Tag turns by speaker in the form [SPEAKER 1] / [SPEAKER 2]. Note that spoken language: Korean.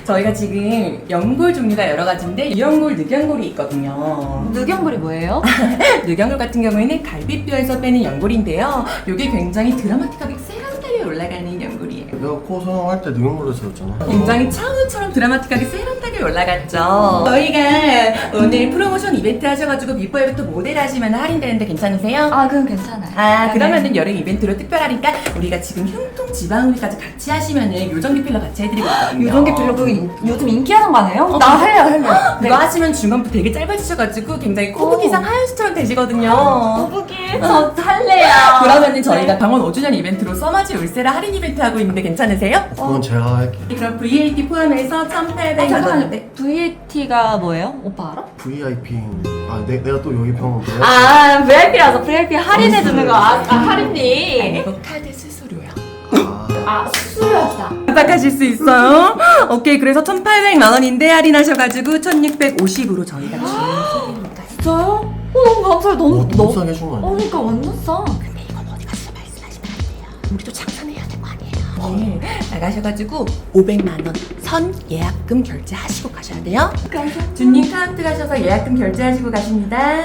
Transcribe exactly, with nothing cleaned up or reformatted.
[SPEAKER 1] 저희가 지금 연골 종류가 여러 가지인데 유연골, 늑연골이 있거든요.
[SPEAKER 2] 늑연골이 뭐예요?
[SPEAKER 1] 늑연골 같은 경우에는 갈비뼈에서 빼는 연골인데요. 이게 굉장히 드라마틱하게 세련되게 올라가는 연골이에요.
[SPEAKER 3] 내가 코 성형할 때 늑연골로 들었잖아.
[SPEAKER 1] 굉장히 차은우처럼 드라마틱하게 세련되게 올라갔죠. 저희가 오늘 프로모션 이벤트 하셔가지고 비포 애프터 모델 하시면 할인되는데 괜찮으세요?
[SPEAKER 2] 아, 그럼 괜찮아요.
[SPEAKER 1] 아, 그러면은 여름 이벤트로 특별하니까 우리가 지금 흉통 지방흡입까지 같이 하시면은 요정기 필러 같이 해드리고 있거든요.
[SPEAKER 2] 유전기 필러 그 이- 요즘 인기하는 거 아니에요?
[SPEAKER 1] 어,
[SPEAKER 2] 나 할래요, 할래요.
[SPEAKER 1] 그거 하시면 중간부터 되게 짧아지셔가지고 굉장히 코브기상 하얀수처럼 되시거든요.
[SPEAKER 2] 거북이 저 할래요.
[SPEAKER 1] 그러면은 저희가 병원 오 주년 이벤트로 써마지 울세라 할인 이벤트 하고 있는데 괜찮으세요?
[SPEAKER 3] 그건 제가 할게.
[SPEAKER 1] 그럼 브이에이티 포함해서 천팔백
[SPEAKER 2] 아, 잠깐만요.
[SPEAKER 1] 원인데
[SPEAKER 2] 브이에이티가 뭐예요? 오빠 알아?
[SPEAKER 3] 브이아이피. 아, 내, 내가 또 여기 병원 브이아이피.
[SPEAKER 2] 아, 브이아이피라서 브이아이피 할인해주는 거. 아, 아 할인이.
[SPEAKER 1] 이거 카드 수수료요.
[SPEAKER 3] 아,
[SPEAKER 2] 아, 수수료다.
[SPEAKER 1] 부탁하실 수 있어요? 오케이, 그래서 천팔백만 원인데 할인하셔가지고 천육백오십으로 저희가 주문드립니다.
[SPEAKER 2] 진짜요? 어, 너무 감사해요. 너무,
[SPEAKER 3] 어, 너무 싸게 해준 거
[SPEAKER 2] 어,
[SPEAKER 3] 아니야?
[SPEAKER 2] 그러니까 완전 싸.
[SPEAKER 1] 근데 이건 어디 가서 말씀하시면 안 돼요. 우리도 장사해야 될 거 아니에요. 네, 나가셔가지고 오백만 원 선 예약금 결제하시고 가셔야 돼요.
[SPEAKER 2] 감사합니다.
[SPEAKER 1] 주님 카운트 가셔서 예약금 결제하시고 가십니다.